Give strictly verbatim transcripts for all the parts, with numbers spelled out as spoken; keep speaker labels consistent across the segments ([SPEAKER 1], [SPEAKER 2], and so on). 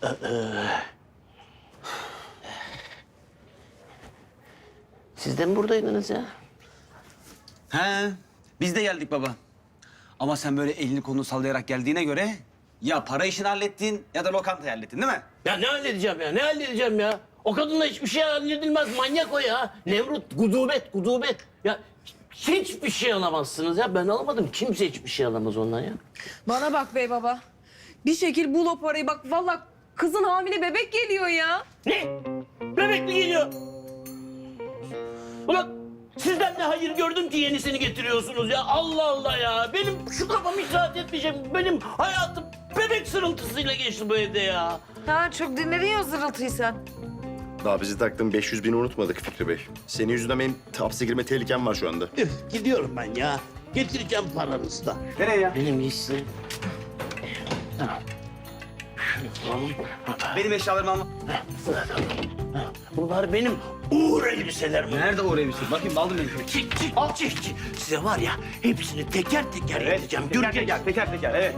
[SPEAKER 1] Siz de mi buradaydınız ya?
[SPEAKER 2] He, biz de geldik baba. Ama sen böyle elini kolunu sallayarak geldiğine göre ya para işini hallettin ya da lokantayı hallettin değil mi?
[SPEAKER 1] Ya ne halledeceğim ya? Ne halledeceğim ya? O kadınla hiçbir şey halledilmez. Manyak o ya. Nemrut, gudubet, gudubet. Ya hiçbir şey alamazsınız ya. Ben alamadım. Kimse hiçbir şey alamaz ondan ya.
[SPEAKER 3] Bana bak bey baba. Bir şekil bul o parayı. Bak vallahi kızın hamile bebek geliyor ya.
[SPEAKER 1] Ne? Bebek mi geliyor? Ulan sizden de hayır gördüm ki yenisini getiriyorsunuz ya. Allah Allah ya. Benim şu kafam hiç rahat etmeyecek. Benim hayatım bebek sırıltısıyla geçti bu evde ya.
[SPEAKER 3] Ha çok dinledin ya o zırıltıyı sen.
[SPEAKER 4] Daha bizi taktığın beş yüz bini unutmadık Fikri Bey. Senin yüzünden benim hapse girme tehlikem var şu anda.
[SPEAKER 1] Üf, gidiyorum ben ya. Getireceğim paranızı da.
[SPEAKER 2] Nereye ya?
[SPEAKER 1] Benim gitsin. Tamam. Şunu alalım.
[SPEAKER 2] Benim eşyalarımı alma.
[SPEAKER 1] Bunlar benim uğur elbiselerim.
[SPEAKER 2] Nerede o elbise? Bakayım aldım elbiseyi.
[SPEAKER 1] Çık çık çık çık. Size var ya hepsini teker teker edeceğim.
[SPEAKER 2] teker
[SPEAKER 1] Göreceksiniz.
[SPEAKER 2] teker, teker teker, evet.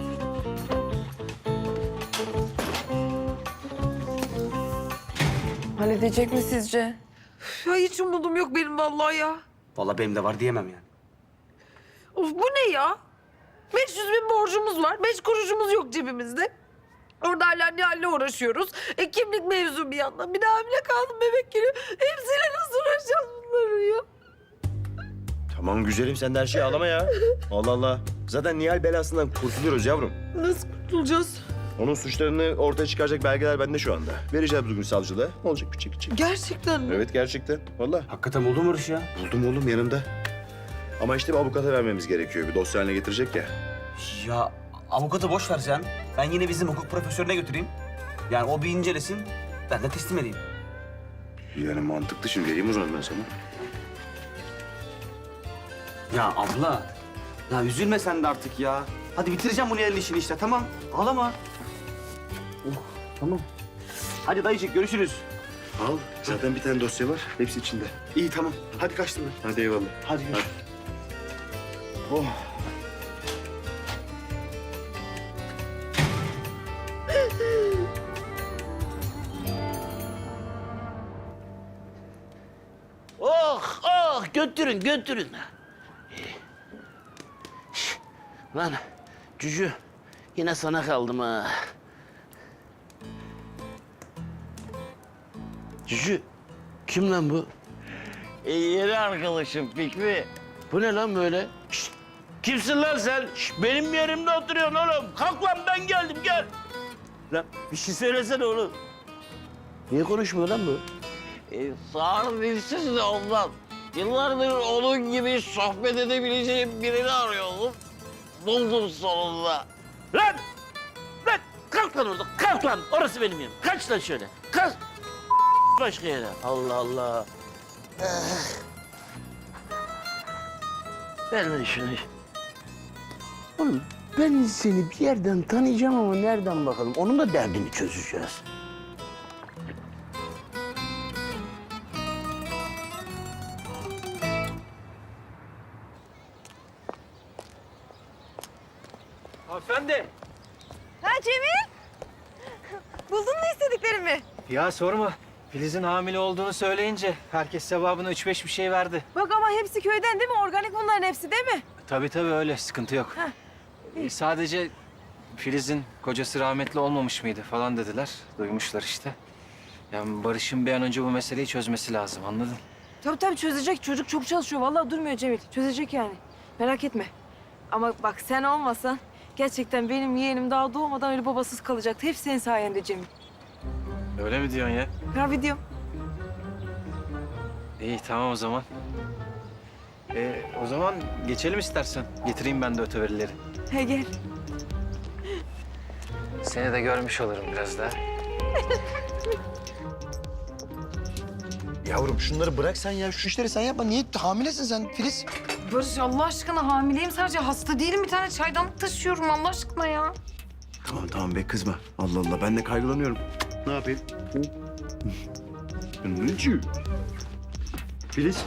[SPEAKER 3] Halledecek mi sizce? Ya hiç umudum yok benim vallahi ya.
[SPEAKER 2] Vallahi benim de var diyemem yani.
[SPEAKER 3] Of bu ne ya? beş yüz bin borcumuz var. Beş kuruşumuz yok cebimizde. Orada hala Nihal'le uğraşıyoruz. E, kimlik mevzu bir yandan. Bir de hamile kaldım bebek geliyor. Hepsiyle nasıl uğraşacağız bunları ya?
[SPEAKER 4] Tamam güzelim sen de her şeyi ağlama ya. Allah Allah. Zaten Nihal belasından kurtuluyoruz yavrum.
[SPEAKER 3] Nasıl kurtulacağız?
[SPEAKER 4] Onun suçlarını ortaya çıkaracak belgeler bende şu anda. Vereceğiz bugün savcılığa. Ne olacak bir çek çek.
[SPEAKER 3] Gerçekten mi?
[SPEAKER 4] Evet gerçekten. Vallahi.
[SPEAKER 2] Hakikaten buldun mu Barış ya?
[SPEAKER 4] Buldum oğlum yanımda. Ama işte bir avukata vermemiz gerekiyor. Bir dosya haline getirecek ya.
[SPEAKER 2] Ya avukatı boş ver sen. Ben yine bizim hukuk profesörüne götüreyim. Yani o bir incelesin, ben de teslim edeyim.
[SPEAKER 4] Yani mantıklı şimdi vereyim o zaman ben sana.
[SPEAKER 2] Ya abla, ya üzülme sen de artık ya. Hadi bitireceğim bunu elin işini işte, tamam. Ağlama. Oh, tamam. Hadi dayıcık, görüşürüz.
[SPEAKER 4] Al. Zaten bir tane dosya var. Hepsi içinde.
[SPEAKER 2] İyi, tamam. Hadi kaçtım ben.
[SPEAKER 4] Hadi eyvallah.
[SPEAKER 2] Hadi görüşürüz.
[SPEAKER 4] Oh.
[SPEAKER 1] Oh oh götürün götürün. Şş, lan Cücü yine sana kaldım ha. Cücü kim lan bu? E, yeni arkadaşım Fikri. Bu ne lan böyle? Şşt, kimsin lan sen? Şşt, benim yerimde oturuyorsun oğlum. Kalk lan ben geldim gel. Lan bir şey söylesene oğlum. Niye konuşmuyor lan bu?
[SPEAKER 5] E, sağır dilsiz de ondan. Yıllardır onun gibi sohbet edebileceğim birini arıyordum. Buldum sonunda.
[SPEAKER 1] Lan! Lan! Kalk lan orada, kalk lan! Orası benim yerim. Kaç lan şöyle, kaç! Başka yere. Allah Allah. Ah. Ver lan şunu. Oğlum ben seni bir yerden tanıyacağım ama nereden bakalım? Onun da derdini çözeceğiz.
[SPEAKER 6] Hanımefendi.
[SPEAKER 3] Ha Cemil? Buldun mu istediklerimi?
[SPEAKER 6] Ya sorma. Filiz'in hamile olduğunu söyleyince herkes sevabına üç beş bir şey verdi.
[SPEAKER 3] Bak ama hepsi köyden değil mi? Organik bunların hepsi değil mi?
[SPEAKER 6] Tabii tabii öyle. Sıkıntı yok. Ee, sadece Filiz'in kocası rahmetli olmamış mıydı falan dediler. Duymuşlar işte. Yani Barış'ın bir an önce bu meseleyi çözmesi lazım anladın?
[SPEAKER 3] Tabii tabii çözecek. Çocuk çok çalışıyor. Vallahi durmuyor Cemil. Çözecek yani. Merak etme. Ama bak sen olmasan gerçekten benim yeğenim daha doğmadan öyle babasız kalacaktı. Hep senin sayende Cemil.
[SPEAKER 6] Öyle mi diyorsun ya?
[SPEAKER 3] Ha videom.
[SPEAKER 6] İyi tamam o zaman. Ee, o zaman geçelim istersen. Getireyim ben de öteverileri.
[SPEAKER 3] He gel.
[SPEAKER 6] Seni de görmüş olurum biraz daha.
[SPEAKER 7] Yavrum şunları bırak sen ya. Şu işleri sen yapma. Niye hamilesin sen Filiz?
[SPEAKER 3] Barış Allah aşkına hamileyim sadece. Hasta değilim. Bir tane çaydanlık taşıyorum Allah aşkına ya.
[SPEAKER 4] Tamam tamam be kızma. Allah Allah ben de kaygılanıyorum. Ne yapayım? Nıcı. Filiz.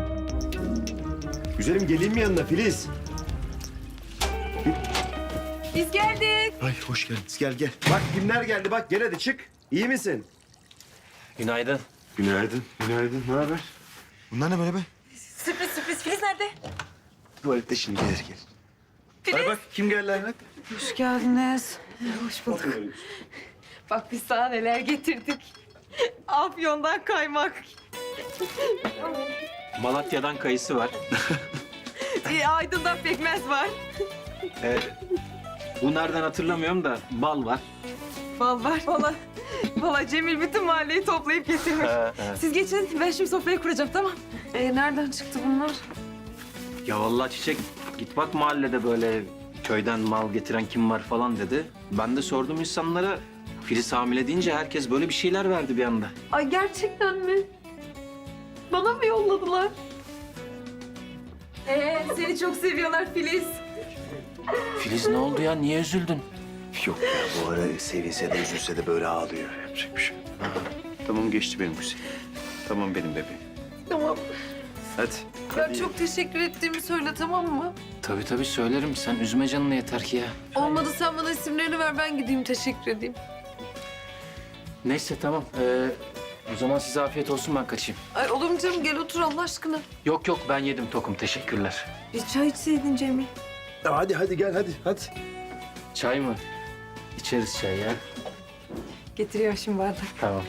[SPEAKER 4] Güzelim geleyim mi yanına Filiz?
[SPEAKER 3] Biz geldik.
[SPEAKER 4] Ay hoş geldiniz. Gel gel. Bak kimler geldi bak gel hadi çık. İyi misin?
[SPEAKER 6] Günaydın.
[SPEAKER 4] Günaydın. Günaydın. Ne haber? Bunlar ne böyle be?
[SPEAKER 3] Sürpriz sürpriz. Filiz nerede?
[SPEAKER 4] Tuvalette şimdi gelir gel. Ay bak kim geldi Ahmet?
[SPEAKER 3] Hoş geldiniz. Hoş bulduk. Bak biz sana neler getirdik. Afyon'dan kaymak.
[SPEAKER 6] Malatya'dan kayısı var.
[SPEAKER 3] Ee, Aydın'dan pekmez var.
[SPEAKER 6] Ee, bu nereden hatırlamıyorum da bal var.
[SPEAKER 3] Bal var. Valla, valla Cemil bütün mahalleyi toplayıp getirmiş. Siz geçin, ben şimdi sofrayı kuracağım, tamam. Ee, nereden çıktı bunlar?
[SPEAKER 6] Ya vallahi Çiçek git bak mahallede böyle köyden mal getiren kim var falan dedi. Ben de sordum insanlara. Filiz hamile deyince herkes böyle bir şeyler verdi bir anda.
[SPEAKER 3] Ay gerçekten mi? Bana mı yolladılar? Ee, seni çok seviyorlar Filiz.
[SPEAKER 6] Filiz ne oldu ya? Niye üzüldün?
[SPEAKER 4] Yok ya bu ara sevinse de üzülse de böyle ağlıyor. Yapacak bir şey yok. Tamam geçti benim Hüseyin. Tamam benim bebeğim.
[SPEAKER 3] Tamam.
[SPEAKER 4] Hadi.
[SPEAKER 3] Ben çok teşekkür ettiğimi söyle, tamam mı?
[SPEAKER 6] Tabii tabii söylerim. Sen üzme canını yeter ki ya.
[SPEAKER 3] Olmadı sen bana isimlerini ver, ben gideyim teşekkür edeyim.
[SPEAKER 6] Neyse tamam. Ee, o zaman size afiyet olsun ben kaçayım.
[SPEAKER 3] Ay olur mu canım, gel otur Allah aşkına.
[SPEAKER 6] Yok yok ben yedim tokum teşekkürler.
[SPEAKER 3] Bir çay içseydin Cemil.
[SPEAKER 4] Hadi hadi gel hadi hadi.
[SPEAKER 6] Çay mı? İçeriz çay ya.
[SPEAKER 3] Getiriyor şimdi bardak.
[SPEAKER 6] Tamam.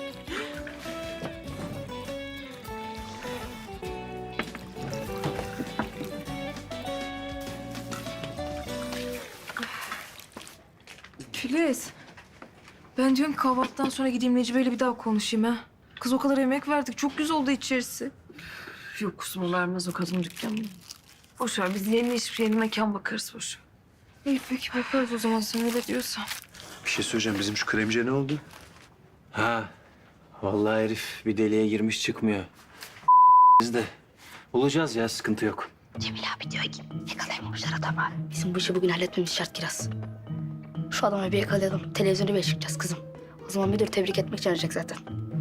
[SPEAKER 3] Filiz. Ben diyorum kahvaltıdan sonra gideyim Necibe'yle bir daha konuşayım ha. Kız o kadar emek verdik. Çok güzel oldu içerisi. Yok kusura vermez o kadın dükkanını. Boş ver biz yeni iş, yeni mekan bakarız boş ver. İyi peki bakarız o zaman sen öyle diyorsan.
[SPEAKER 4] Bir şey söyleyeceğim bizim şu kremciye ne oldu?
[SPEAKER 6] Ha. Vallahi herif bir deliğe girmiş çıkmıyor. Biz de bulacağız ya sıkıntı yok.
[SPEAKER 8] Cemil abi diyor ki yakalayamamışlar adamı. Bizim bu işi bugün halletmemiz şart Kiraz. Şu adamı bir yakalayalım. Televizyonu bir çıkacağız kızım. O zaman müdür tebrik etmek için arayacak zaten.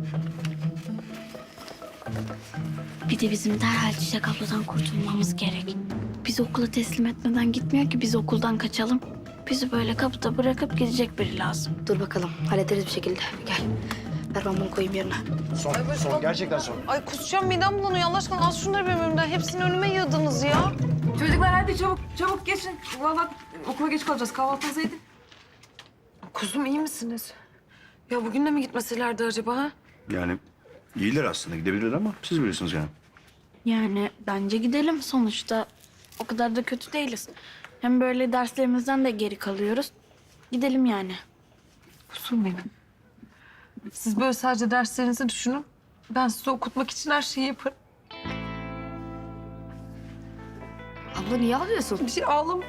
[SPEAKER 9] Bir de bizim derhal Çiçek abladan kurtulmamız gerek. Bizi okula teslim etmeden gitmiyor ki biz okuldan kaçalım. Bizi böyle kapıda bırakıp gidecek biri lazım.
[SPEAKER 8] Dur bakalım hallederiz bir şekilde. Gel. Ver ben bunu koyayım yerine.
[SPEAKER 7] Son, son. Gerçekten son.
[SPEAKER 3] Ay kusacağım midem bulanıyor Allah aşkına. Az şunları benim önümden. Hepsini önüme yığdınız ya. Çocuklar hadi çabuk çabuk geçin. Vallahi okula geç kalacağız. Kahvaltınızı edin. Kuzum iyi misiniz? Ya bugün de mi gitmeselerdi acaba ha?
[SPEAKER 4] Yani iyiler aslında gidebilirler ama siz bilirsiniz yani.
[SPEAKER 9] Yani bence gidelim sonuçta. O kadar da kötü değiliz. Hem böyle derslerimizden de geri kalıyoruz. Gidelim yani.
[SPEAKER 3] Kuzum benim. Siz böyle sadece derslerinizi düşünün. Ben sizi okutmak için her şeyi yaparım.
[SPEAKER 8] Abla niye ağlıyorsun?
[SPEAKER 3] Bir şey ağlam.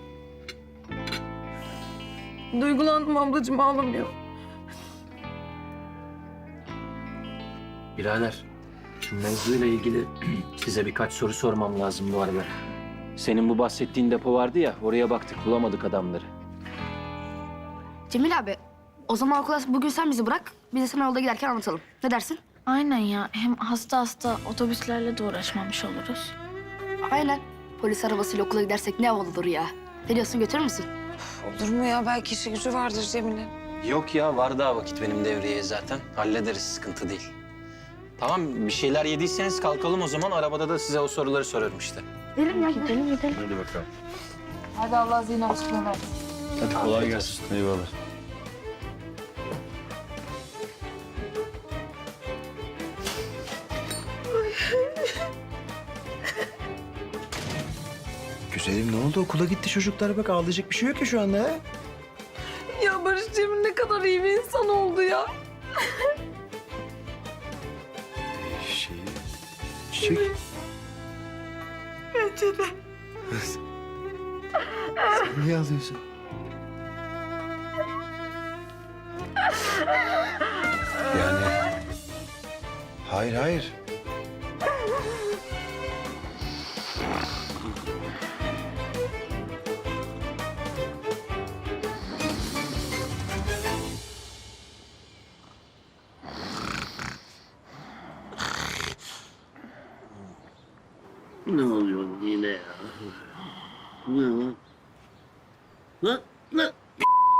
[SPEAKER 3] Duygulandım ablacığım, ağlamıyor.
[SPEAKER 6] Birader şu mevzuyla ilgili size birkaç soru sormam lazım bu arada. Senin bu bahsettiğin depo vardı ya oraya baktık bulamadık adamları.
[SPEAKER 8] Cemil abi o zaman okula bugün sen bizi bırak. Biz de sana yolda giderken anlatalım. Ne dersin?
[SPEAKER 9] Aynen ya. Hem hasta hasta otobüslerle de uğraşmamış oluruz.
[SPEAKER 8] Aynen. Polis arabasıyla okula gidersek ne havalı olur ya. Ne diyorsun götürür müsün?
[SPEAKER 3] Olur mu ya? Belki işi gücü vardır Cemil'in.
[SPEAKER 6] Yok ya var daha vakit benim devreye zaten. Hallederiz sıkıntı değil. Tamam bir şeyler yediyseniz kalkalım o zaman. Arabada da size o soruları sorarım işte.
[SPEAKER 8] Gidelim ya gidelim gidelim.
[SPEAKER 4] Hadi bakalım.
[SPEAKER 3] Hadi Allah zihin açıklığı versin.
[SPEAKER 4] Hadi kolay gelsin. Eyvallah.
[SPEAKER 7] Güzelim ne oldu? Okula gitti çocuklar. Bak ağlayacak bir şey yok ya şu anda. Ha?
[SPEAKER 3] Ya Barış Cemil ne kadar iyi bir insan oldu ya.
[SPEAKER 4] Şey... Çiçek.
[SPEAKER 3] Bence de.
[SPEAKER 7] Sen niye ağlıyorsun?
[SPEAKER 4] Yani... Hayır hayır.
[SPEAKER 1] Ne oluyor yine ya? Ne lan? Lan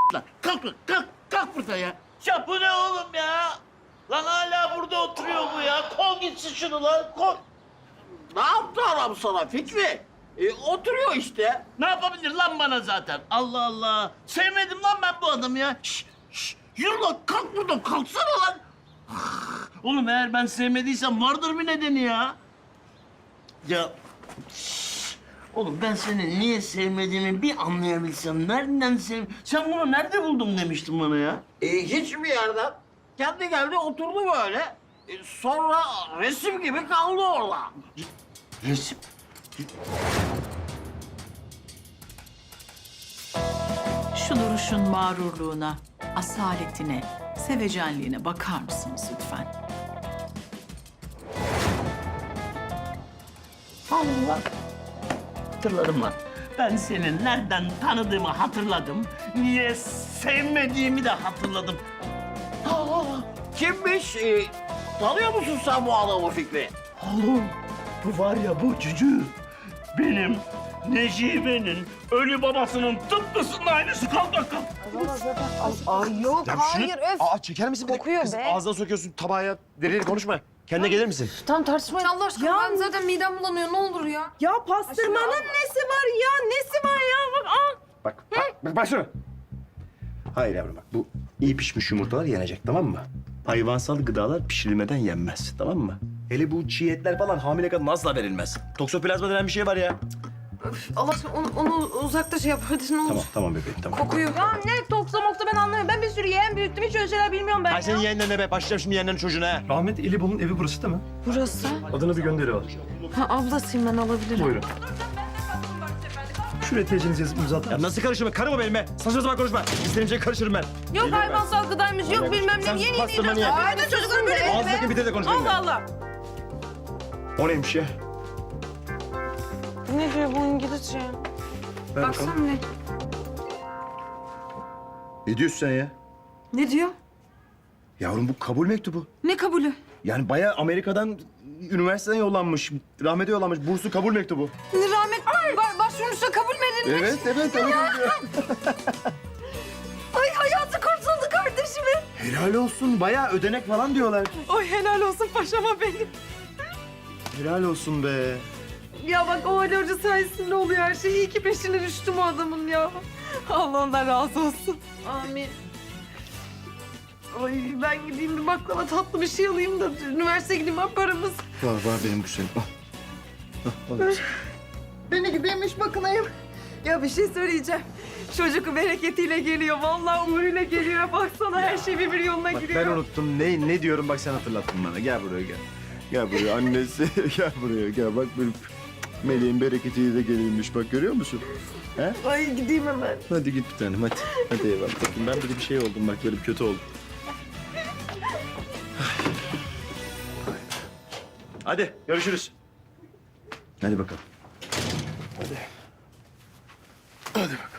[SPEAKER 1] Lan kalk lan, kalk, kalk burada ya. Ya bu ne oğlum ya? Lan hala burada oturuyor bu ya. Kol gitsin şunu lan, kol.
[SPEAKER 5] Ne yaptı adam sana Fikri? E, oturuyor işte.
[SPEAKER 1] Ne yapabilir lan bana zaten? Allah Allah. Sevmedim lan ben bu adamı ya. Şş, şş. Yürü lan, kalk buradan, kalksana lan. Oğlum eğer ben sevmediysem vardır bir nedeni ya. Ya... şş. Oğlum ben seni niye sevmediğimi bir anlayabilsem. Nereden sev... Sen bunu nerede buldun demiştin bana ya.
[SPEAKER 5] E, hiçbir yerden. Kendi geldi oturdu böyle. E, sonra resim gibi kaldı orada.
[SPEAKER 1] Resim.
[SPEAKER 10] Şu duruşun mağrurluğuna, asaletine, sevecenliğine bakar mısınız lütfen?
[SPEAKER 1] Allah. Hatırladım lan. Ben seni nereden tanıdığımı hatırladım. Niye sevmediğimi de hatırladım.
[SPEAKER 5] Aa, kimmiş? E, tanıyor musun sen bu adamı Fikri?
[SPEAKER 1] Oğlum bu var ya bu cücü. Benim Necibe'nin ölü babasının tıpkısının aynısı. Kalk kalk kalk.
[SPEAKER 3] Ay yok
[SPEAKER 7] Ya şunu-
[SPEAKER 3] hayır öf.
[SPEAKER 7] Aa çeker misin?
[SPEAKER 3] Kokuyor
[SPEAKER 7] Kız,
[SPEAKER 3] be.
[SPEAKER 7] ağzına sokuyorsun tabağa ya. Deli deli konuşma. Kendine gelir misin?
[SPEAKER 3] Tamam tartışmayın Allah aşkına. Ben zaten midem bulanıyor ne olur ya.
[SPEAKER 11] Ya pastırmanın nesi var ya? Nesi var ya? Bak al.
[SPEAKER 7] Bak, bak, bak, bak şunu. Hayır yavrum bak, bu iyi pişmiş yumurtalar yenecek, tamam mı? Hayvansal gıdalar pişirilmeden yenmez, tamam mı? Hele bu çiğ etler falan hamile kadın asla verilmez. Toksoplazma denen bir şey var ya.
[SPEAKER 3] Allah aşkına onu, onu uzakta şey yap hadi ne olur.
[SPEAKER 7] Tamam, tamam bebeğim, tamam.
[SPEAKER 3] Kokuyor.
[SPEAKER 11] Ya ne toksa moksa ben anlamıyorum. Ben bir sürü yeğen büyüttüm. Hiç öyle şeyler bilmiyorum ben
[SPEAKER 7] Ay
[SPEAKER 11] ya.
[SPEAKER 7] senin yeğenlerine be, başlayacağım şimdi yeğenlerin çocuğuna ha.
[SPEAKER 12] Rahmet İlibol'un evi burası değil mi?
[SPEAKER 3] Burası.
[SPEAKER 12] Adına bir gönderi var.
[SPEAKER 3] Ha ablasıyım ben alabilirim.
[SPEAKER 12] Buyurun. Şuraya tecinizi yazıp imza atar
[SPEAKER 7] Ya
[SPEAKER 12] mısın?
[SPEAKER 7] nasıl karışırım? Karım o benim be. Saçma sapan konuşma. İstediğim şeye karışırım ben.
[SPEAKER 11] Yok hayvansal gıdaymış, yok bilmem
[SPEAKER 7] Sen
[SPEAKER 11] ne. Yeni yeni
[SPEAKER 7] pastırmanı ye.
[SPEAKER 11] Aynen çocukların böyle değil
[SPEAKER 7] Ağzındaki
[SPEAKER 11] be.
[SPEAKER 7] bitir de konuş benimle.
[SPEAKER 11] Allah Allah.
[SPEAKER 7] O neymiş ya?
[SPEAKER 3] Ne diyor bu İngilizce?
[SPEAKER 7] Ver
[SPEAKER 3] Baksana
[SPEAKER 7] bakalım.
[SPEAKER 3] ne?
[SPEAKER 7] Ne diyorsun sen ya?
[SPEAKER 3] Ne diyor?
[SPEAKER 7] Yavrum bu kabul mektubu.
[SPEAKER 3] Ne kabulü?
[SPEAKER 7] Yani bayağı Amerika'dan üniversiteden yollanmış, rahmete yollanmış. Burslu kabul mektubu.
[SPEAKER 3] Rahmet ba- başvurmuşsa kabul mü edilmiş?
[SPEAKER 7] Evet, evet. evet.
[SPEAKER 3] Ay hayatı kurtuldu kardeşimin.
[SPEAKER 7] Helal olsun. Bayağı ödenek falan diyorlar.
[SPEAKER 11] Oy helal olsun paşama benim.
[SPEAKER 7] Helal olsun be.
[SPEAKER 3] Ya bak o Ali Hoca sayesinde oluyor her şey. İyi ki peşine düştüm o adamın ya.
[SPEAKER 11] Allah ondan razı olsun.
[SPEAKER 3] Amin. Ay ben gideyim bir baklava tatlı bir şey alayım da üniversiteye gideyim var paramız.
[SPEAKER 7] Var var benim güzelim. Al. Al, al.
[SPEAKER 11] Beni gideymiş bakınayım. Ya bir şey söyleyeceğim. Çocuk bereketiyle geliyor. Vallahi umuruyla geliyor. Baksana her şey birbiri yoluna
[SPEAKER 7] Bak
[SPEAKER 11] giriyor.
[SPEAKER 7] ben unuttum. Ne ne diyorum bak sen hatırlattın bana. Gel buraya gel. Gel buraya annesi. Gel buraya gel. Bak benim Meleğin bereketiyle de gelirmiş. Bak görüyor musun? He?
[SPEAKER 3] Ay gideyim hemen.
[SPEAKER 7] Hadi git bir tanem hadi. Hadi eyvallah. Bakın ben böyle bir şey oldum bak böyle bir kötü oldum. Hadi görüşürüz. Hadi bakalım. Hadi. Hadi bakalım.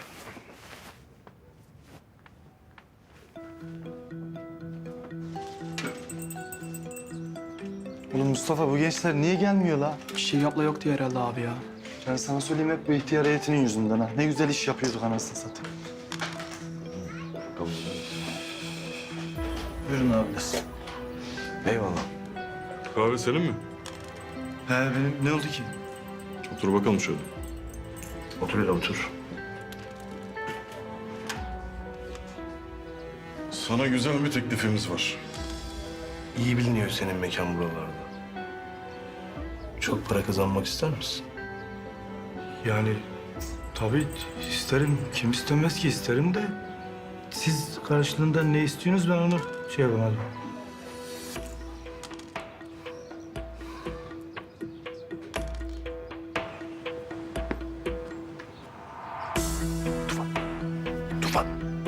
[SPEAKER 12] Oğlum Mustafa bu gençler niye gelmiyor la?
[SPEAKER 6] Bir şey yapla yok diye herhalde abi ya.
[SPEAKER 12] Ben sana söyleyeyim hep bu ihtiyar heyetinin yüzünden ha. Ne güzel iş yapıyorduk anasını satayım. Buyurun abi.
[SPEAKER 4] Eyvallah.
[SPEAKER 13] Kahve senin mi?
[SPEAKER 12] He benim ne oldu ki?
[SPEAKER 13] Otur bakalım şöyle.
[SPEAKER 7] Otur hele otur.
[SPEAKER 13] Sana güzel bir teklifimiz var.
[SPEAKER 4] İyi biliniyor senin mekan buralarda. Çok para kazanmak ister misin?
[SPEAKER 12] Yani tabii isterim. Kim istemez ki isterim de. Siz karşılığında ne istiyorsunuz ben onu şey yapamadım.
[SPEAKER 7] Tufan.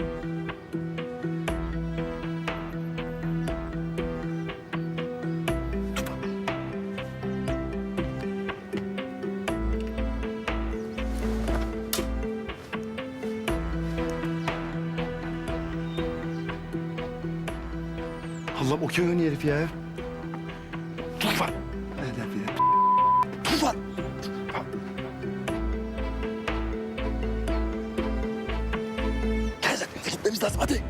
[SPEAKER 7] Allah'ım o kim oynuyor herif ya? Tufan. Hedef ya. Tufan. Gel zaten gitmemiz gitmemiz lazım hadi.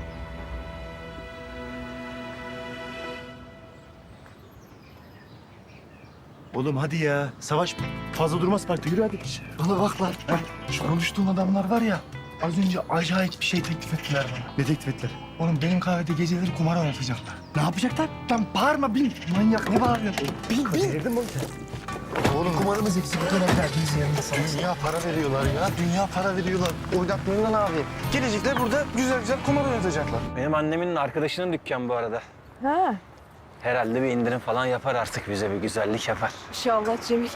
[SPEAKER 7] Oğlum hadi ya. Savaş fazla durmaz parkta. Yürü hadi.
[SPEAKER 12] Bana bak lan. Şu konuştuğun adamlar var ya. Az önce acayip bir şey teklif ettiler bana.
[SPEAKER 7] Ne teklif ettiler?
[SPEAKER 12] Oğlum benim kahvede geceleri kumar oynatacaklar.
[SPEAKER 7] Ne yapacaklar?
[SPEAKER 12] Lan bağırma bin. Manyak ne bağırıyorsun?
[SPEAKER 7] Bin bin. Delirdin mi oğlum sen?
[SPEAKER 12] Oğlum kumarımız eksik bu dönemler. Biz yanındasınız. Dünya para veriyorlar ya. Dünya para veriyorlar. Oynatmayın lan abi. Gelecekler burada güzel güzel kumar oynatacaklar.
[SPEAKER 6] Benim annemin arkadaşının dükkanı bu arada.
[SPEAKER 3] Ha.
[SPEAKER 6] Herhalde bir indirim falan yapar artık bize bir güzellik yapar.
[SPEAKER 3] İnşallah Cemil.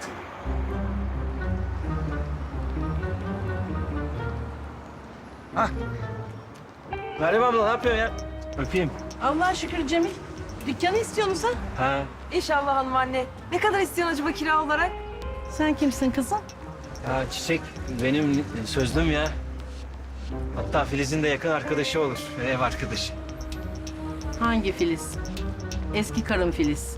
[SPEAKER 6] Meryem abla ne yapıyorsun ya? Öpeyim.
[SPEAKER 11] Allah'a şükür Cemil. Dükkanı istiyorsun sen.
[SPEAKER 6] Ha.
[SPEAKER 3] İnşallah hanım anne. Ne kadar istiyorsun acaba kira olarak?
[SPEAKER 11] Sen kimsin kızım?
[SPEAKER 6] Ya Çiçek benim sözlüm ya. Hatta Filiz'in de yakın arkadaşı olur. Ev arkadaşı.
[SPEAKER 11] Hangi Filiz? Eski karım Filiz.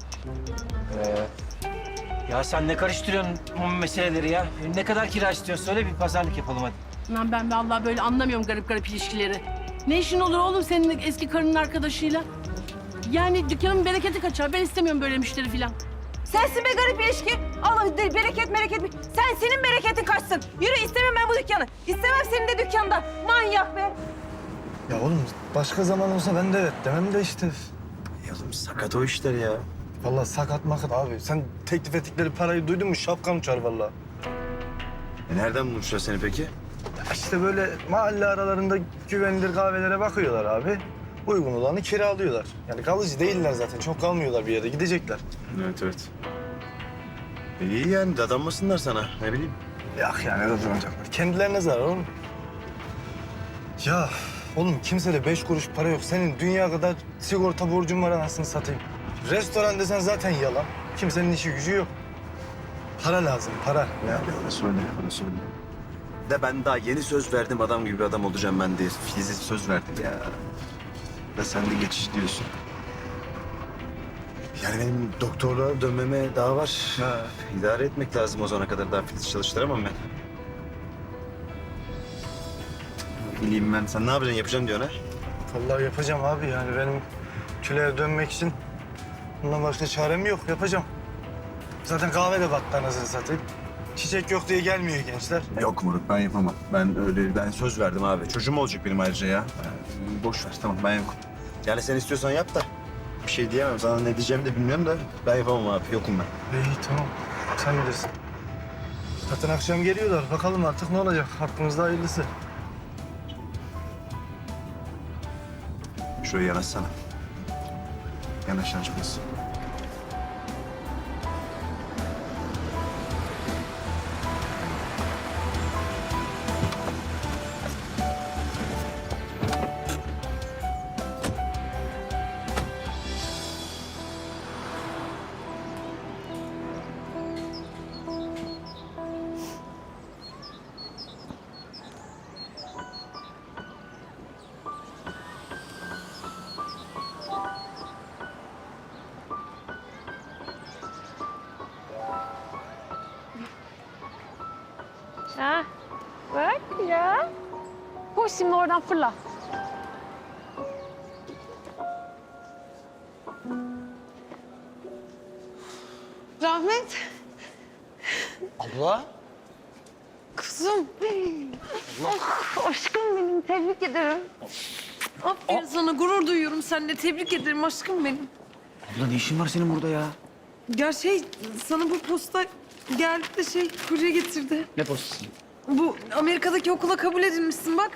[SPEAKER 6] Ya sen ne karıştırıyorsun bu meseleleri ya? Ne kadar kira istiyorsun? Söyle bir pazarlık yapalım hadi.
[SPEAKER 11] Lan ben vallahi böyle anlamıyorum garip garip ilişkileri. Ne işin olur oğlum senin eski karının arkadaşıyla? Yani dükkanın bereketi kaçar. Ben istemiyorum böyle müşteri falan.
[SPEAKER 3] Sensin be garip ilişki. Allah de, bereket bereket. Sen senin bereketin kaçsın. Yürü istemem ben bu dükkanı. İstemem senin de dükkanda. Manyak be.
[SPEAKER 12] Ya oğlum başka zaman olsa ben de evet demem de işte.
[SPEAKER 7] Ya oğlum sakat o işler ya.
[SPEAKER 12] Vallahi sakat makat abi. Sen teklif ettikleri parayı duydun mu şapkan uçar vallahi.
[SPEAKER 7] E nereden bulmuşlar seni peki?
[SPEAKER 12] Ya işte böyle mahalle aralarında güvenilir kahvelere bakıyorlar abi. Uygun olanı kiralıyorlar. Yani kalıcı değiller zaten. Çok kalmıyorlar bir yere. Gidecekler.
[SPEAKER 7] Evet evet. E iyi yani dadanmasınlar sana ne bileyim.
[SPEAKER 12] Yok yani ne duracaklar. Kendilerine zarar oğlum. Ya oğlum kimsede beş kuruş para yok. Senin dünya kadar sigorta borcun var anasını satayım. Restoran desen zaten yalan. Kimsenin işi gücü yok. Para lazım, para. Ya.
[SPEAKER 7] Öyle söyle, öyle söyle. De ben daha yeni söz verdim adam gibi bir adam olacağım ben diye. Filiz'e söz verdim ya. Da sen de geçiş diyorsun. Yani benim doktorluğa dönmeme daha var.
[SPEAKER 12] Ha.
[SPEAKER 7] İdare etmek lazım o zamana kadar. Daha Filiz çalıştıramam ben. Bileyim ben. Sen ne yapacaksın? Yapacağım diyorsun ha?
[SPEAKER 12] Vallahi yapacağım abi yani benim küleye dönmek için bundan başka çarem yok. Yapacağım. Zaten kahve de battı anasını satayım. Çiçek yok diye gelmiyor gençler.
[SPEAKER 7] Yok Murat ben yapamam. Ben öyle ben söz verdim abi. Çocuğum olacak benim ayrıca ya. Ee, boş ver tamam ben yokum. Yani sen istiyorsan yap da. Bir şey diyemem. Sana ne diyeceğimi de bilmiyorum da ben yapamam abi. Yokum ben.
[SPEAKER 12] İyi tamam. Sen bilirsin. Zaten akşam geliyorlar. Bakalım artık ne olacak. Hakkımızda hayırlısı.
[SPEAKER 7] Şuraya yanaşsana. Yanaş yanaş biraz.
[SPEAKER 3] Ha, bak ya. Koş şimdi oradan fırla. Rahmet.
[SPEAKER 5] Abla?
[SPEAKER 3] Kızım. Oh, aşkım benim. Tebrik ederim. Aferin sana. Gurur duyuyorum seninle. Tebrik ederim aşkım benim.
[SPEAKER 2] Abla ne işin var senin burada ya?
[SPEAKER 3] Ya şey, sana bu posta geldi de şey, kurye getirdi.
[SPEAKER 2] Ne postası?
[SPEAKER 3] Bu Amerika'daki okula kabul edilmişsin bak.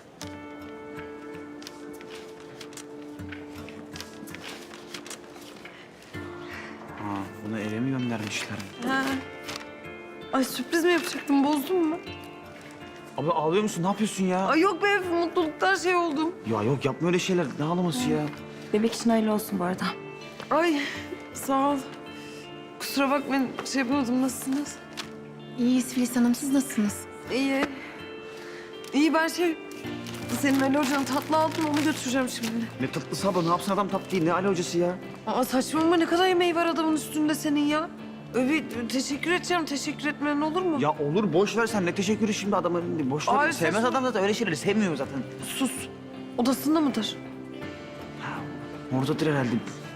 [SPEAKER 2] Ha, bunu eve mi göndermişler?
[SPEAKER 3] Ha. Ay sürpriz mi yapacaktım, bozdun mu?
[SPEAKER 2] Abla ağlıyor musun? Ne yapıyorsun ya?
[SPEAKER 3] Ay yok be, mutluluktan şey oldum.
[SPEAKER 2] Ya yok yapma öyle şeyler. Ne ağlaması ya?
[SPEAKER 8] Bebek için hayırlı olsun bu arada.
[SPEAKER 3] Ay sağ ol. Kusura bakmayın, şey yapamadım. Nasılsınız?
[SPEAKER 8] İyiyiz Filiz Hanım. Siz nasılsınız?
[SPEAKER 3] İyi. İyi ben şey... Senin Ali Hoca'nın tatlı aldım, onu götüreceğim şimdi.
[SPEAKER 2] Ne tatlısı abla? Ne yapsın adam tatlı değil? Ne Ali hocası ya?
[SPEAKER 3] Aa saçmalama, ne kadar yemeği var adamın üstünde senin ya. Evet, teşekkür edeceğim. Teşekkür etmen olur mu?
[SPEAKER 2] Ya olur boş ver sen ne teşekkürü şimdi adamın boş ver.
[SPEAKER 3] Ay,
[SPEAKER 2] Sevmez
[SPEAKER 3] sus.
[SPEAKER 2] adam zaten öyle şeyleri sevmiyor zaten.
[SPEAKER 3] Sus. Odasında mıdır?
[SPEAKER 2] Oradadır herhalde.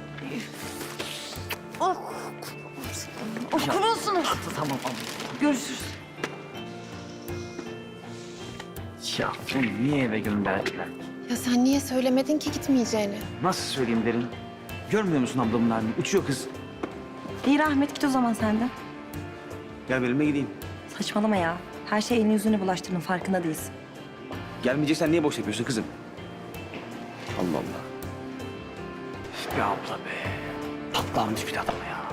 [SPEAKER 3] Oh. Oh, kurulsunuz.
[SPEAKER 2] Tamam abla.
[SPEAKER 3] Görüşürüz.
[SPEAKER 2] Ya bunu niye eve gönderdiler?
[SPEAKER 11] Ya sen niye söylemedin ki gitmeyeceğini?
[SPEAKER 2] Nasıl söyleyeyim derin? Görmüyor musun ablamın halini? Uçuyor kız.
[SPEAKER 11] İyi rahmet git o zaman sen de.
[SPEAKER 2] Gel benimle gideyim.
[SPEAKER 11] Saçmalama ya. Her şey elini yüzüne bulaştırdın farkında değilsin.
[SPEAKER 2] Gelmeyeceksen niye boş yapıyorsun kızım? Allah Allah. Üf be abla be. Patlamış bir adam ya.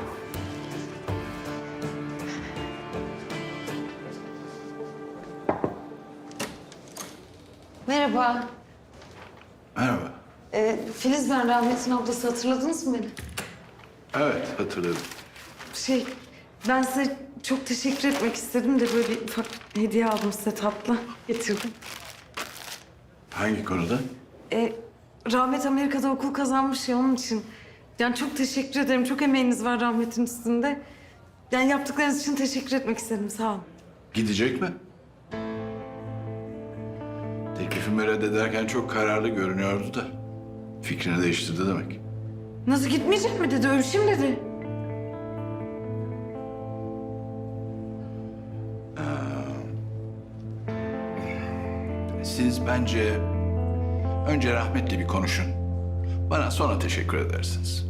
[SPEAKER 3] Merhaba.
[SPEAKER 13] Merhaba.
[SPEAKER 3] Ee, Filiz ben, Rahmet'in ablası. Hatırladınız mı beni?
[SPEAKER 13] Evet, hatırladım.
[SPEAKER 3] Şey, ben size çok teşekkür etmek istedim de böyle bir ufak hediye aldım size tatlı. Getirdim.
[SPEAKER 13] Hangi konuda?
[SPEAKER 3] Ee, Rahmet Amerika'da okul kazanmış ya onun için. Yani çok teşekkür ederim. Çok emeğiniz var Rahmet'in üstünde. Yani yaptıklarınız için teşekkür etmek istedim. Sağ olun.
[SPEAKER 13] Gidecek mi? Teklifimi reddederken çok kararlı görünüyordu da. Fikrini değiştirdi demek.
[SPEAKER 3] Nasıl gitmeyecek mi dedi, ölçüm dedi.
[SPEAKER 13] Siz bence önce rahmetle bir konuşun. Bana sonra teşekkür edersiniz.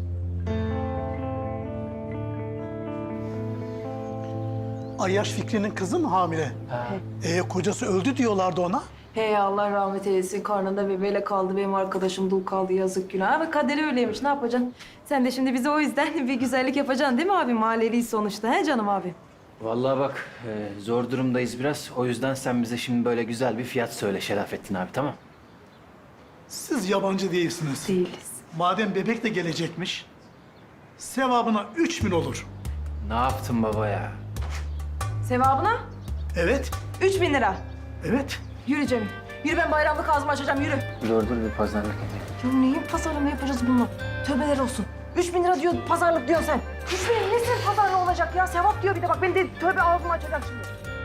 [SPEAKER 12] Ayyaş Fikri'nin kızı mı hamile? Ee, kocası öldü diyorlardı ona.
[SPEAKER 3] Hey Allah rahmet eylesin. Karnında bebeğiyle kaldı. Benim arkadaşım dul kaldı. Yazık günah. Ama kaderi öyleymiş. Ne yapacaksın? Sen de şimdi bize o yüzden bir güzellik yapacaksın değil mi abi? Mahalleliyiz sonuçta. He canım abi?
[SPEAKER 6] Vallahi bak e, zor durumdayız biraz. O yüzden sen bize şimdi böyle güzel bir fiyat söyle Şerafettin abi, tamam?
[SPEAKER 12] Siz yabancı değilsiniz.
[SPEAKER 3] Değiliz.
[SPEAKER 12] Madem bebek de gelecekmiş, sevabına üç bin olur.
[SPEAKER 6] Ne yaptın baba ya?
[SPEAKER 11] Sevabına
[SPEAKER 12] Evet,
[SPEAKER 11] üç bin lira.
[SPEAKER 12] evet.
[SPEAKER 11] Yürü Cemil. Yürü ben bayramlık ağzımı açacağım yürü.
[SPEAKER 6] Dur dur bir pazarlık edeyim.
[SPEAKER 11] Ya neyin pazarlama yapacağız bununla? Tövbeler olsun. Üç bin lira diyor pazarlık diyorsun sen. Üç bin nesin pazarlığı olacak ya? Sevap diyor bir de bak ben de tövbe ağzımı açacağım şimdi.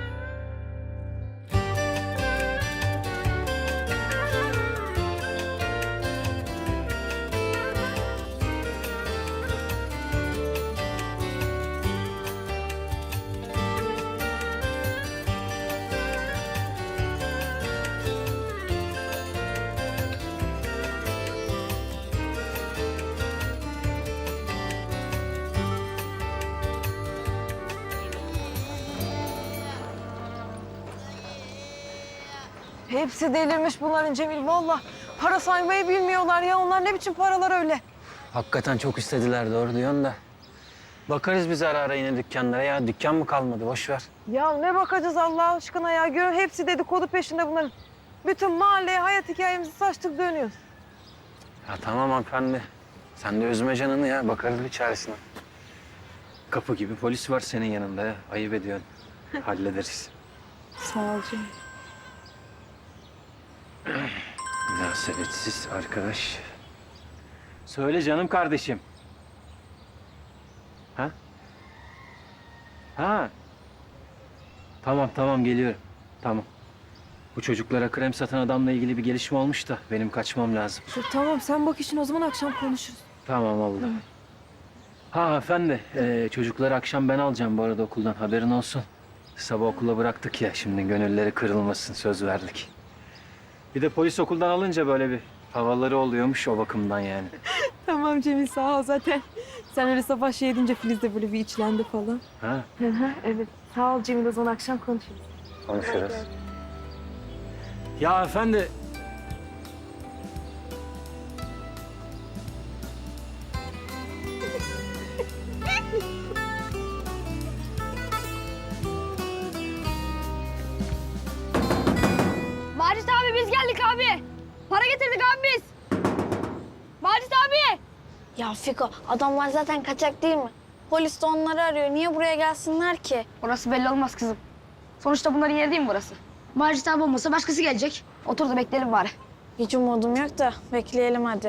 [SPEAKER 11] Hepsi delirmiş bunların Cemil vallahi. Para saymayı bilmiyorlar ya. Onlar ne biçim paralar öyle?
[SPEAKER 6] Hakikaten çok istediler, doğru diyorsun da. Bakarız biz ara ara yine dükkanlara ya. Dükkan mı kalmadı, boş ver.
[SPEAKER 11] Ya ne bakacağız Allah aşkına ya. Gör hepsi dedikodu peşinde bunların. Bütün mahalleye hayat hikayemizi saçtık dönüyoruz.
[SPEAKER 6] Ya tamam hanımefendi. Sen de üzme canını ya. Bakarız bir çaresine. Kapı gibi polis var senin yanında ya. Ayıp ediyorsun. Hallederiz.
[SPEAKER 11] Sağ ol Cemil.
[SPEAKER 6] Münasebetsiz arkadaş. Söyle canım kardeşim. Ha? Ha? Tamam tamam geliyorum. Tamam. Bu çocuklara krem satan adamla ilgili bir gelişme olmuş da benim kaçmam lazım.
[SPEAKER 11] Tamam sen bak işin o zaman akşam konuşuruz.
[SPEAKER 6] Tamam oldu. Ha efendi, e, çocukları akşam ben alacağım bu arada okuldan, haberin olsun. Sabah okula bıraktık ya, şimdi gönülleri kırılmasın, söz verdik. Bir de polis okuldan alınca böyle bir havaları oluyormuş o bakımdan yani.
[SPEAKER 11] Tamam Cemil sağ ol zaten. Sen öyle sabah şey edince Filiz de böyle bir içlendi falan.
[SPEAKER 6] Ha,
[SPEAKER 11] Hı hı evet. Sağ ol Cemil o zaman akşam konuşuruz.
[SPEAKER 6] konuşuruz. Ya efendi,
[SPEAKER 8] Macit abi biz geldik abi. Para getirdik abi biz. Macit abi. Ya Fiko adamlar zaten kaçak değil mi? Polis de onları arıyor. Niye buraya gelsinler ki? Orası belli olmaz kızım. Sonuçta bunların yeri değil mi burası? Macit abi olmasa başkası gelecek. Otur da bekleyelim bari. Hiç umudum yok da bekleyelim hadi.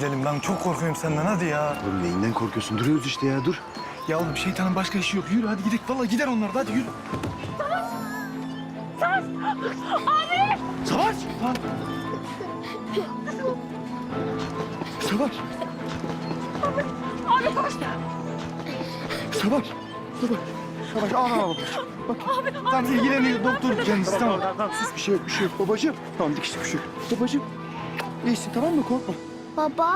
[SPEAKER 12] gidelim. Ben çok korkuyorum senden. Hadi ya.
[SPEAKER 7] Oğlum neyinden korkuyorsun? Duruyoruz işte ya dur.
[SPEAKER 12] Ya oğlum şeytanın başka işi yok. Yürü hadi gidelim. Vallahi gider onlar da. Hadi yürü.
[SPEAKER 8] Savaş! Abi!
[SPEAKER 12] Savaş! Ha. Savaş!
[SPEAKER 8] Abi koş!
[SPEAKER 12] Savaş! Savaş! Savaş al al. Bak. Abi, tamam ilgileniyor doktor kendisi. Tamam. Tamam, tamam sus bir şey yok bir şey yok babacığım. Tamam dikişli bir şey yok. Babacığım. İyisin tamam mı korkma.
[SPEAKER 8] Baba?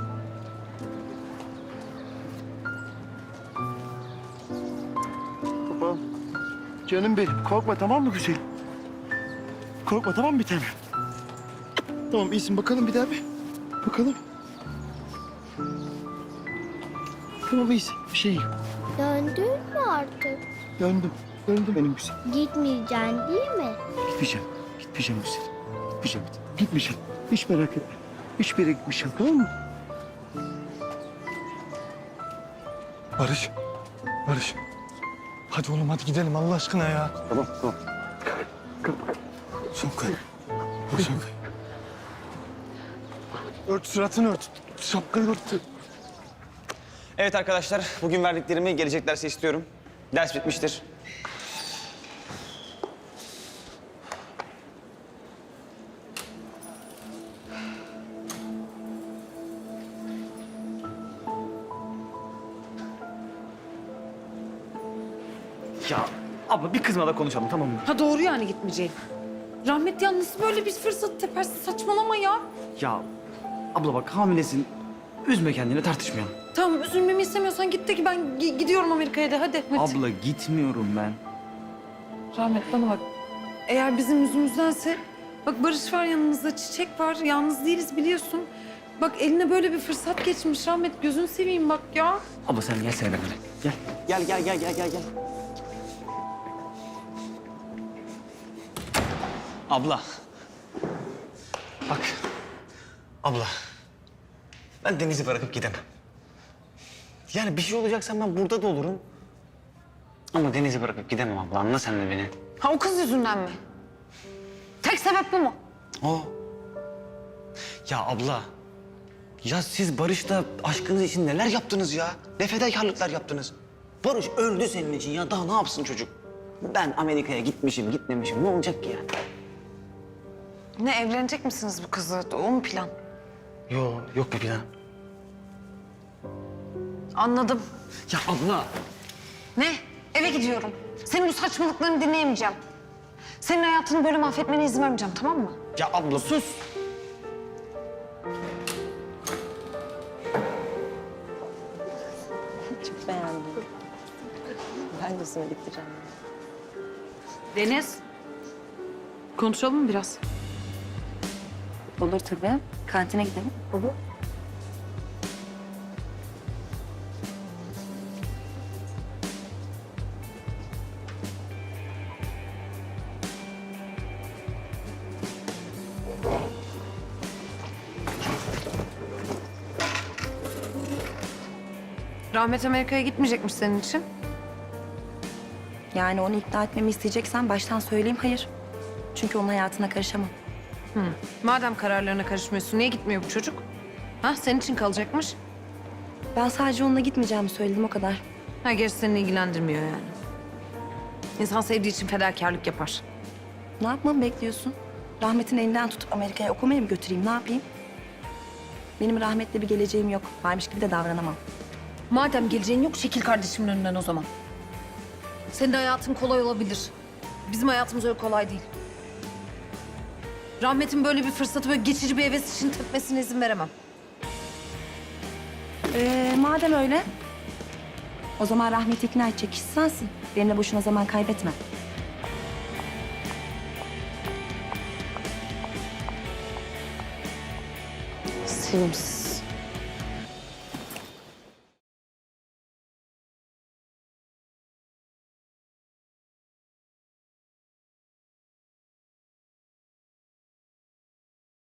[SPEAKER 12] Baba. Canım benim korkma tamam mı güzelim? Korkma tamam mı bir tane? Tamam iyisin bakalım bir daha bir. Bakalım. Tamam iyisin bir şey yok.
[SPEAKER 8] Döndün mü artık?
[SPEAKER 12] Döndüm. Döndüm benim güzelim.
[SPEAKER 8] Gitmeyeceksin değil mi?
[SPEAKER 12] Gitmeyeceğim. Gitmeyeceğim güzelim. Gitmeyeceğim. Gitmeyeceğim. Hiç merak etme. Hiçbir yere gitmeyeceğim tamam mı? Barış. Barış. Hadi oğlum hadi gidelim Allah aşkına ya. Tamam tamam. Şapkayı. Bak şapkayı. Ört suratını ört. Şapkayı ört.
[SPEAKER 2] Evet arkadaşlar, bugün verdiklerimi gelecek derse istiyorum. Ders bitmiştir. Ya abla bir kızma da konuşalım tamam mı?
[SPEAKER 3] Ha doğru yani gitmeyeceğim. Rahmet ya nasıl böyle bir fırsat tepersin saçmalama ya.
[SPEAKER 2] Ya abla bak hamilesin. Üzme kendini tartışmayalım.
[SPEAKER 3] Tamam üzülmemi istemiyorsan git de ki ben gi- gidiyorum Amerika'ya da hadi. hadi.
[SPEAKER 2] Abla gitmiyorum ben.
[SPEAKER 3] Rahmet bana bak. Eğer bizim yüzümüzdense bak Barış var yanımızda, Çiçek var. Yalnız değiliz biliyorsun. Bak eline böyle bir fırsat geçmiş Rahmet. Gözünü seveyim bak ya.
[SPEAKER 2] Abla sen gelsene benimle. Gel. Gel gel gel gel gel gel. Abla. Bak. Abla. Ben Deniz'i bırakıp gidemem. Yani bir şey olacaksa ben burada da olurum. Ama Deniz'i bırakıp gidemem abla. Anla sen de beni.
[SPEAKER 3] Ha o kız yüzünden mi? Tek sebep bu mu?
[SPEAKER 2] O. Ya abla. Ya siz Barış'la aşkınız için neler yaptınız ya? Ne fedakarlıklar yaptınız. Barış öldü senin için ya. Daha ne yapsın çocuk? Ben Amerika'ya gitmişim, gitmemişim. Ne olacak ki yani?
[SPEAKER 3] Ne evlenecek misiniz bu kızla? O mu plan?
[SPEAKER 2] Yo, yok bir plan.
[SPEAKER 3] Anladım.
[SPEAKER 2] Ya abla.
[SPEAKER 3] Ne? Eve gidiyorum. Senin bu saçmalıklarını dinleyemeyeceğim. Senin hayatını böyle mahvetmene izin vermeyeceğim tamam mı?
[SPEAKER 2] Ya abla. Sus.
[SPEAKER 11] Çok beğendim. Ben de sana diktireceğim.
[SPEAKER 3] Deniz. Konuşalım mı biraz?
[SPEAKER 11] Olur tabii. Kantine gidelim. Olur.
[SPEAKER 3] Rahmet Amerika'ya gitmeyecekmiş senin için.
[SPEAKER 11] Yani onu ikna etmemi isteyeceksen baştan söyleyeyim hayır. Çünkü onun hayatına karışamam.
[SPEAKER 3] Madem kararlarına karışmıyorsun niye gitmiyor bu çocuk? Ha senin için kalacakmış.
[SPEAKER 11] Ben sadece onunla gitmeyeceğimi söyledim o kadar.
[SPEAKER 3] Ha gerisi seni ilgilendirmiyor yani. İnsan sevdiği için fedakarlık yapar.
[SPEAKER 11] Ne yapmamı bekliyorsun? Rahmet'in elinden tutup Amerika'ya okumaya mı götüreyim? Ne yapayım? Benim rahmetle bir geleceğim yok. Varmış gibi de davranamam.
[SPEAKER 3] Madem geleceğin yok çekil kardeşimin önünden o zaman. Senin hayatın kolay olabilir. Bizim hayatımız öyle kolay değil. Rahmet'in böyle bir fırsatı böyle geçici bir heves için tepmesine izin veremem.
[SPEAKER 11] Ee, madem öyle, o zaman Rahmet'i ikna edecek kişi sensin. Benimle boşuna zaman kaybetme.
[SPEAKER 3] Sevimsiz.